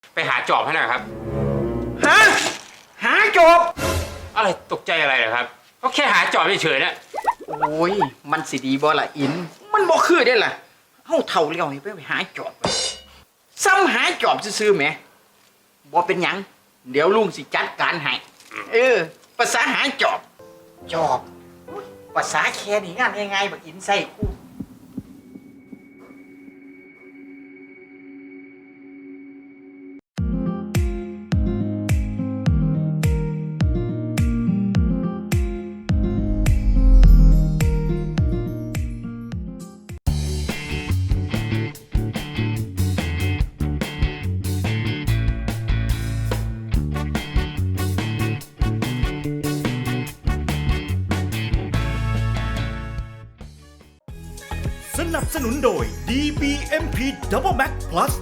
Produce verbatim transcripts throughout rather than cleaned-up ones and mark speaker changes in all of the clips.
Speaker 1: ไปหาจอบให้หน่อยครับ
Speaker 2: ฮะหาจอบ
Speaker 1: อะไรตกใจอะไรเหรอครับก็แค่หาจอบเฉยๆนะ
Speaker 2: โอ้ยมันสิดีบ่ล่ะอิน มันบ่คือได้ล่ะเฮาเฒ่าแล้วนี่ไปหาจอบซ้ำหาจอบซื่อๆแหมบ่เป็นหยังเดี๋ยวลุงสิจัดการให้เออภาษาหาจอบจอบภาษาแค่นี้งานง่ายๆบักอินใส่คู่
Speaker 3: สนับสนุนโดย ดี บี เอ็ม พี Double Max Plus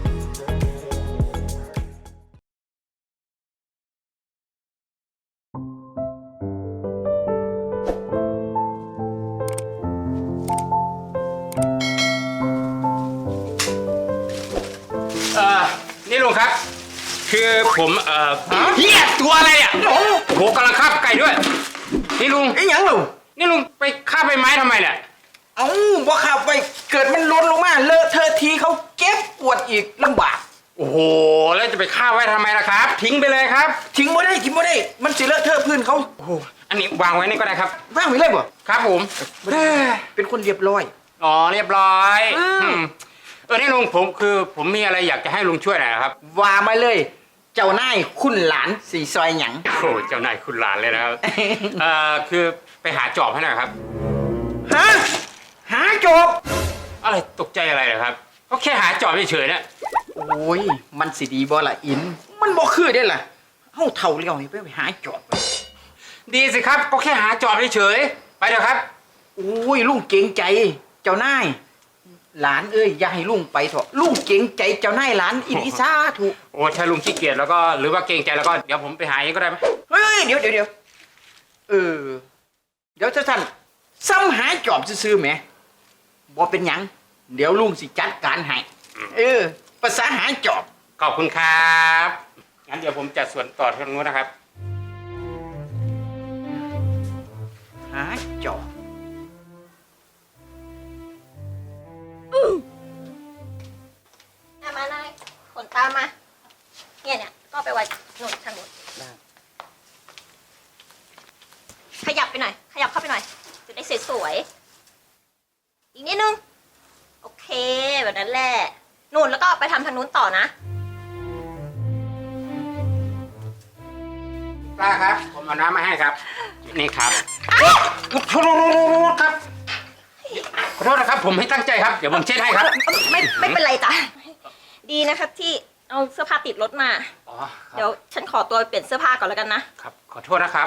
Speaker 1: เอ่อนี่ลุงครับ คือผมเอ่อเฮียตัวอะไรเนี่ยโอ้โหกำลังคาบไก่ด้วยนี่ลุง
Speaker 2: ไอ้หยังลูก
Speaker 1: นี่ลุงไปคาบใบไม้ทำไมเนี่ย
Speaker 2: เอ้าบ่ขับไปเกิดมันหล่นลงมาเลอะเทอะทีเขาเก็บปวดอีกลำบาก
Speaker 1: โอ้โหแล้วจะไปคาบไว้ทำไมล่ะครับ ทิ้งไปเลยครับ
Speaker 2: ทิ้งบ่ได้ทิ้งบ่ได้ มันสิเลอะเทอะพื้นเขา
Speaker 1: โอ้โหอันนี้วางไว้นี่ก็ได้ครับ
Speaker 2: ว่างไว้เลยบ่
Speaker 1: ครับผมเอ้ย
Speaker 2: เป็นคนเรียบร้อย
Speaker 1: อ๋อเรียบร้อย
Speaker 2: อืม
Speaker 1: อืมเออนี่ลุงผมคือผมมีอะไรอยากจะให้ลุงช่วยหน่อยนะครับ
Speaker 2: ว่ามาเลย เจ้านายคุณหลานสีซอยหยัง
Speaker 1: โอ้โหเจ้านายคุณหลานเลยนะครับ เอ่อคือไปหาจอบให้หน่อยครับ
Speaker 2: ฮะหาจอบ
Speaker 1: อะไรตกใจอะไรเหรอครับก็แค่หาจอบเฉยๆนะ
Speaker 2: โอ้ยมันสิดีบ่ล่ะอิน มันบ่คือได้ล่ะเฮาเฒ่าแล้วนี่ไปหาจอบ
Speaker 1: ดีสิครับก็แค่หาจอบเฉยๆไปเถอะครับ
Speaker 2: โอ้ยลุงเกรงใจ เจ้านายหลานเอ้ยอย่าให้ลุงไปเถอะลุงเกรงใจเจ้านายหลานอีนิสาถูก
Speaker 1: โอ้ถ้าลุงขี้เกียจแล้วก็หรือว่าเกรงใจแล้วก็เดี๋ยวผมไปหาเองก็ได้ไหม
Speaker 2: เฮ้ยเดี๋ยวเดี๋ยวเดี๋ยวเออเดี๋ยวท่านซ้ำหาจอบซื่อๆแหมบ่เป็นหยังเดี๋ยวลุงสิจัดการให้เออภาษาหาจอบ
Speaker 1: ขอบคุณครับงั้นเดี๋ยวผมจัดส่วนต่อทางนู้นนะครับ
Speaker 2: หาจอบ
Speaker 4: เอามานายขนตามมา เนี่ยเนี่ยก็ไปไว้หนุนทางนู้นขยับไปหน่อย ขยับเข้าไปหน่อย จะได้สวยๆ อีกนิดนึง โอเค แบบนั้นแหละนู่นแล้วก็ไปทำทางนู้นต่อนะ
Speaker 1: ป้าครับ ผมเอาน้ำมาให้ครับ นี่ครับขอโทษครับขอโทษนะครับ ผมไม่ตั้งใจครับ เดี๋ยวผมเช็ดให้ครับ
Speaker 4: ไม่ไม่เป็นไรจ้ะ ดีนะครับที่เอาเสื้อผ้าติดรถมา
Speaker 1: อ๋อครับ
Speaker 4: เดี๋ยวฉันขอตัวไปเปลี่ยนเสื้อผ้าก่อนแล้วกันนะ
Speaker 1: ครับ ขอโทษนะครับ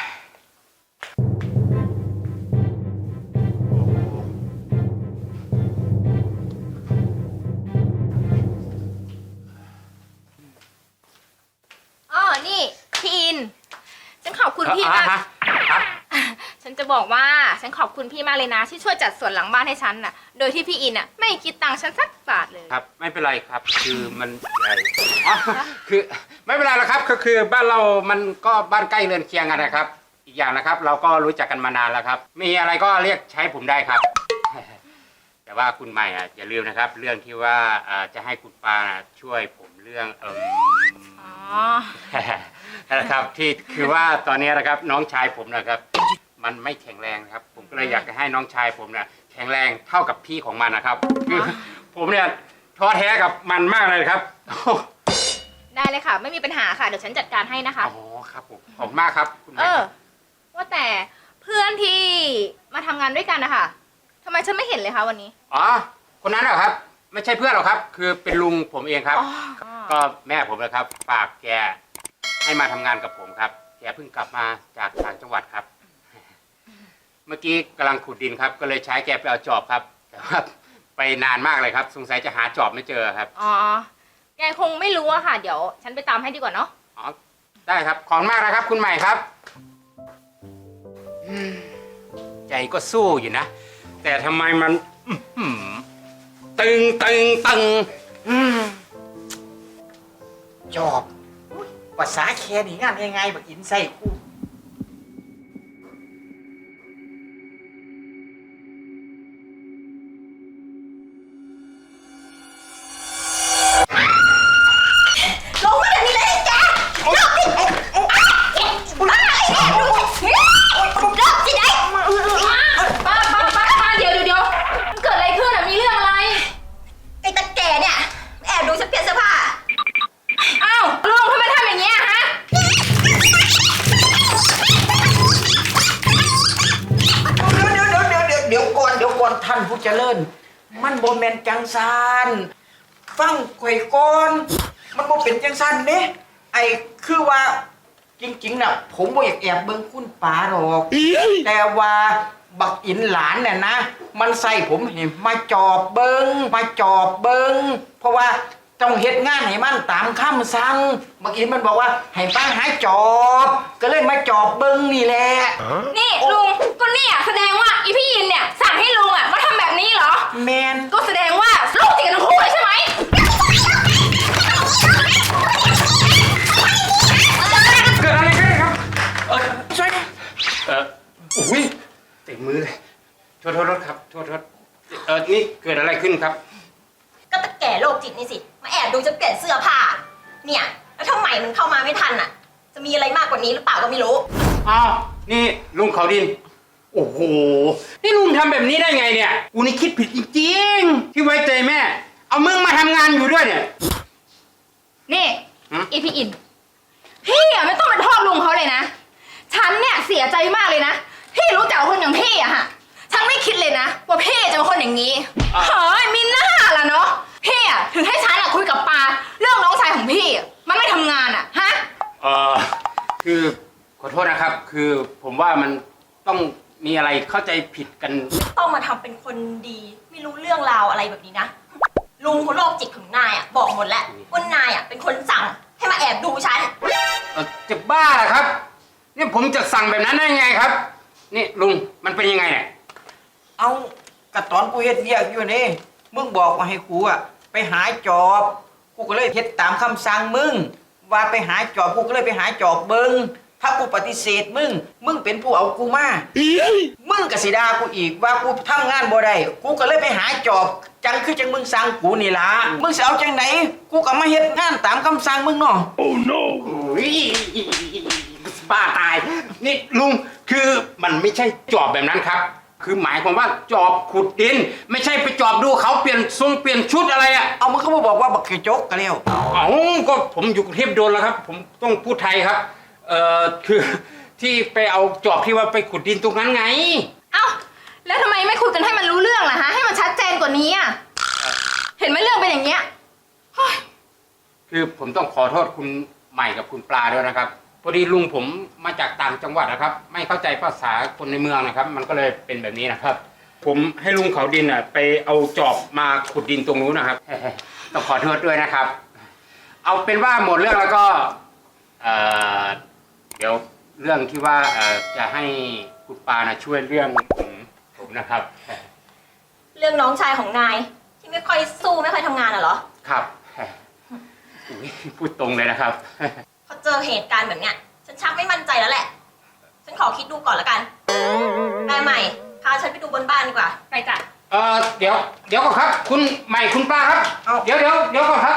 Speaker 5: อ๋อ นี่พี่อิน ฉันขอบคุณพี่
Speaker 1: อ่ะ
Speaker 5: มาก
Speaker 1: ฮะครับ
Speaker 5: ฉันจะบอกว่าฉันขอบคุณพี่มากเลยนะ ที่ช่วยจัดสวนหลังบ้านให้ฉันน่ะ โดยที่พี่อินน่ะไม่คิดตังค์ฉันสักบาทเลย
Speaker 1: ครับ ไม่เป็นไรครับ คือมันใหญ่อ๋อคือไม่เป็นไรหรอกครับ ก็คือบ้านเรามันก็บ้านใกล้เรือนเคียงกันนะครับ อีกอย่างนะครับ เราก็รู้จักกันมานานแล้วครับ มีอะไรก็เรียกใช้ผมได้ครับ แต่ว่าคุณใหม่อ่ะอย่าลืมนะครับ เรื่องที่ว่าอ่าจะให้คุณปานะช่วยผมเรื่องเออ
Speaker 5: อ๋อ
Speaker 1: นะครับที่คือว่าตอนนี้นะครับน้องชายผมนะครับ มันไม่แข็งแรงนะครับ ผมก็เลยอยากจะให้น้องชายผมเนี่ยแข็งแรงเท่ากับพี่ของมันนะครับคือผมเนี่ยท้อแท้กับมันมากเลยครับ
Speaker 5: ได้เลยค่ะ ไม่มีปัญหาค่ะ เดี๋ยวฉันจัดการให้นะคะ
Speaker 1: อ๋อครับผมขอบคุณมากครับคุณ
Speaker 5: เอ
Speaker 1: แม่
Speaker 5: อ ว่าแต่เพื่อนที่มาทำงานด้วยกันนะคะทำไมฉันไม่เห็นเลยคะวันนี้
Speaker 1: อ๋อคนนั้นเหรอครับ ไม่ใช่เพื่อนหรอกครับ คือเป็นลุงผมเองครับ
Speaker 5: อ๋อ
Speaker 1: ก็แม่ผมนะครับฝากแกให้มาทำงานกับผมครับ แกเพิ่งกลับมาจากต่างจังหวัดครับ เมื่อกี้กำลังขุดดินครับ ก็เลยใช้แกไปเอาจอบครับ แต่ว่าไปนานมากเลยครับ สงสัยจะหาจอบไม่เจอครับ
Speaker 5: อ๋อ แกคงไม่รู้อะค่ะ เดี๋ยวฉันไปตามให้ดีกว่าเนาะ
Speaker 1: อ๋อได้ครับขอบคุณมากนะครับ คุณใหม่ครับอืมใจก็สู้อยู่นะ แต่ทำไมมันอื้อหือตึงตึงตึงอืม
Speaker 2: จอบอุ๊ยภาษาแค่นี้งานง่ายๆบักอินใส่กู
Speaker 4: ลงมาเดี๋ยวนี้เลยแกลงสิมาไอ้แกลงสิลงสิได้
Speaker 5: ป้าป้าป้าป้าเดี๋ยวเดี๋ยวเดี๋ยวมันเกิดอะไรขึ้นอ่ะมีเรื่องอะไร
Speaker 4: ไอ้ตาแก่เนี่ยแอบดูฉันเปลี่ยนเสื้อผ้า
Speaker 5: อ้าวลุงทำไมทำอย่างเงี้ยฮะ
Speaker 2: เดี๋ยวเดี๋ยวเดี๋ยวเดี๋ยวเดี๋ยวก่อนเดี๋ยวก่อนท่านผู้เจริญ มันบ่แม่นจังซานฟังข่อยก่อนมันบ่เป็นจังซันเด้ไอ้คือว่าจริงๆน่ะผมบ่อยากแอบเบิ่งคุณป๋าหรอกแต่ว่าบักอินหลานเนี่ยนะ มันใส่ผมให้มาจอบเบิงมาจอบเบิงเพราะว่าต้องเฮ็ดงานให้มันตามคำสั่งบักอินมันบอกว่าให้ป้าหาจอบ ก็เลยมาจอบเบิงนี่แหละ
Speaker 5: นี่ลุงก็เนี่ยแสดงว่าอีพี่ยินเนี่ยสั่งให้ลุงอ่ะมาทำแบบนี้เหรอ
Speaker 2: แมน
Speaker 5: ก็แสดงว่าลูกติดกันทั้งคู่เลยใช่ไหม
Speaker 1: เกิดอะไรขึ้นครับ
Speaker 2: เออช่วยดิ
Speaker 1: เอออุ้ยเต็มมือเลยโทษโทษโทษครับโทษโทษเออนี่เกิดอะไรขึ้นครับ
Speaker 4: ก็ตาแก่โรคจิตนี่สิมาแอบดูฉันเปลี่ยนเสื้อผ้าเนี่ยแล้วทำไมมันเข้ามาไม่ทันอ่ะ จะมีอะไรมากกว่านี้หรือเปล่าก็ไม่รู้
Speaker 1: อ้าว นี่ลุงเขาดิน โอ้โห นี่ลุงทำแบบนี้ได้ไงเนี่ย กูนี่คิดผิดจริงๆ ที่ไว้ใจแม่ เอามึงมาทำงานอยู่ด้วยเนี่ย
Speaker 5: นี่
Speaker 1: ฮะ
Speaker 5: อีพี่อินพี่อ่ะไม่ต้องเป็นโทษลุงเขาเลยนะฉันเนี่ยเสียใจมากเลยนะพี่รู้จักคนอย่างพี่อะฮะฉันไม่คิดเลยนะว่าพี่จะเป็นคนอย่างนี้เฮ้ยมีหน้าล่ะเนาะพี่อะถึงให้ฉันอะคุยกับปาเรื่องน้องชายของพี่อะมันไม่ทำงานอะฮะ
Speaker 1: เออคือขอโทษนะครับ คือผมว่ามันต้องมีอะไรเข้าใจผิดกัน
Speaker 4: ต้องมาทำเป็นคนดีไม่รู้เรื่องราวอะไรแบบนี้นะลุงคนโรคจิตของนายอ่ะบอกหมดแล้วว่านายอ่ะเป็นคนสั่งให้มาแอบดูฉัน
Speaker 1: เออจะบ้าเหรอครับ นี่ผมจะสั่งแบบนั้นได้ไงครับ นี่ลุงมันเป็นยังไงเนี่ย
Speaker 2: เอากระตอนกูเฮ็ดเวียกอยู่นี่มึงบอกว่าให้กูอะไปหาจอบกูก็เลยเฮ็ดตามคำสั่งมึงว่าไปหาจอบกูก็เลยไปหาจอบเบิงถ้ากูปฏิเสธมึงมึงเป็นผู้เอากูมามึงก็สิด่ากูอีกว่ากูทำงานบ่ได้กูก็เลยไปหาจอบจังคือจังมึงสั่งกูนี่ล่ะมึงสิเอาจังไหนกูก็มาเฮ็ดงานตามคำสั่งมึงเนาะ
Speaker 1: โอ้ยบ้าตาย นี่ลุงคือมันไม่ใช่จอบแบบนั้นครับ คือหมายความว่าจอบขุดดิน ไม่ใช่ไปจอบดูเขาเปลี่ยนทรงเปลี่ยนชุดอะไรอะ
Speaker 2: เอามึงก็มาบอกว่าบักกระจกก็แล้ว
Speaker 1: เอ้าก็ผมอยู่กรุงเทพโดนแล้วครับ ผมต้องพูดไทยครับ เอ่อคือที่ไปเอาจอบที่ว่าไปขุดดินตรงนั้นไง
Speaker 5: เอ้าแล้วทำไมไม่คุยกันให้มันรู้เรื่องล่ะฮะให้มันชัดเจนกว่านี้อะเห็นไหมเรื่องเป็นอย่างเงี้ยเฮ้ย
Speaker 1: คือผมต้องขอโทษคุณใหม่กับคุณปลาด้วยนะครับพอดีลุงผมมาจากต่างจังหวัดนะครับ ไม่เข้าใจภาษาคนในเมืองนะครับ มันก็เลยเป็นแบบนี้นะครับ ผมให้ลุงเขาดินอ่ะไปเอาจอบมาขุดดินตรงนู้นนะครับ ต้องขอโทษด้วยนะครับ เอาเป็นว่าหมดเรื่องแล้วก็เอ่อเดี๋ยวเรื่องที่ว่าเอ่อจะให้คุณปานะช่วยเรื่องผมผมนะครับ
Speaker 4: เรื่องน้องชายของนายที่ไม่ค่อยสู้ไม่ค่อยทำงานอ่ะเหรอ
Speaker 1: ครับอุ๊ยพูดตรงเลยนะครับ
Speaker 4: พอเจอเหตุการณ์แบบเนี้ยฉันชักไม่มั่นใจแล้วแหละ ฉันขอคิดดูก่อนละกันแม่ใหม่พาฉันไปดูบนบ้านดีกว่า
Speaker 5: ไปจ้ะ
Speaker 1: เอ่อเดี๋ยวเดี๋ยวก่อนครับ คุณใหม่คุณปลาครับ
Speaker 2: เอ้า
Speaker 1: เดี๋ยวเดี๋ยวเดี๋ยวก่อนครับ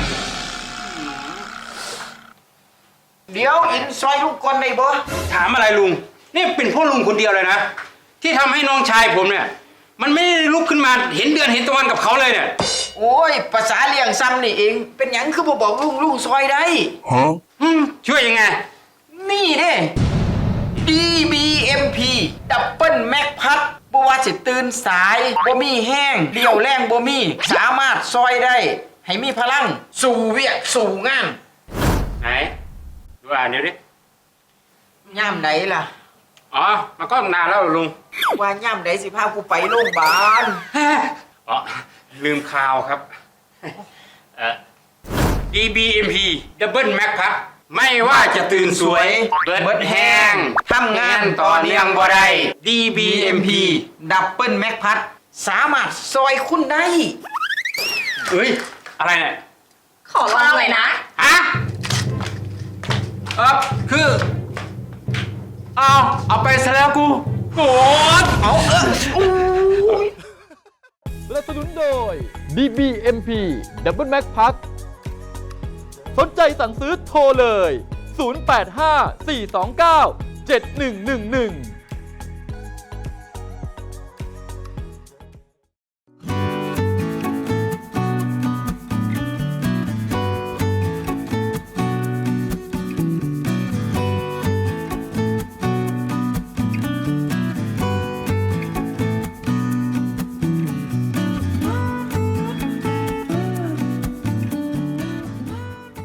Speaker 2: เดี๋ยวอินซอยลูกก่อนได้บ่
Speaker 1: ถามอะไรลุง นี่เป็นพ่อลุงคนเดียวเลยนะ ที่ทำให้น้องชายผมเนี่ย มันไม่ได้ลุกขึ้นมาเห็นเดือนเห็นตะวันกับเขาเลยเนี่ย
Speaker 2: โอ้ยภาษาเลี้ยงซ้ำนี่เอง เป็นหยังคือบ่บอกลุงลุงซอยได้
Speaker 1: อืมช่วยยังไง
Speaker 2: นี่เด้ ดี บี เอ็ม พี ดับเบิลแม็กพัดบ่ว่าสิตื่นสายบ่มีแห้งเดี่ยวแรงบ่มีสามารถซอยได้ ให้มีพลัง สู่เวียกสู่งาน
Speaker 1: ไหนดูอ่านเดี๋ยวดิ
Speaker 2: ย่ามไหนล่ะ
Speaker 1: อ๋อมันก็นานแล้วลุง
Speaker 2: ว่าย่ามไหนสิพากูไปโรงพยาบาล
Speaker 1: อ๋อลืมข่าวครับเอ่อ ดี บี เอ็ม พี Double Mac ครับไม่ว่าจะตื่นสวยเบิดแห้งทำงานต่อเนื่องบ่ได้ ดี บี เอ็ม พี
Speaker 2: ดับเบิลแม็กพัดสามารถซอยคุณได้
Speaker 1: เฮ้ย อะไรเนี่ย
Speaker 4: ขอลองหน่อยนะ
Speaker 1: ฮะซะแล้วกูโกรธ
Speaker 2: เอาเออโอ้ย
Speaker 6: สนับสนุนโดย ดี บี เอ็ม พี Double Max Plus สนใจสั่งซื้อโทรเลย ศูนย์ แปด ห้า สี่ สอง เก้า เจ็ด หนึ่ง หนึ่ง หนึ่ง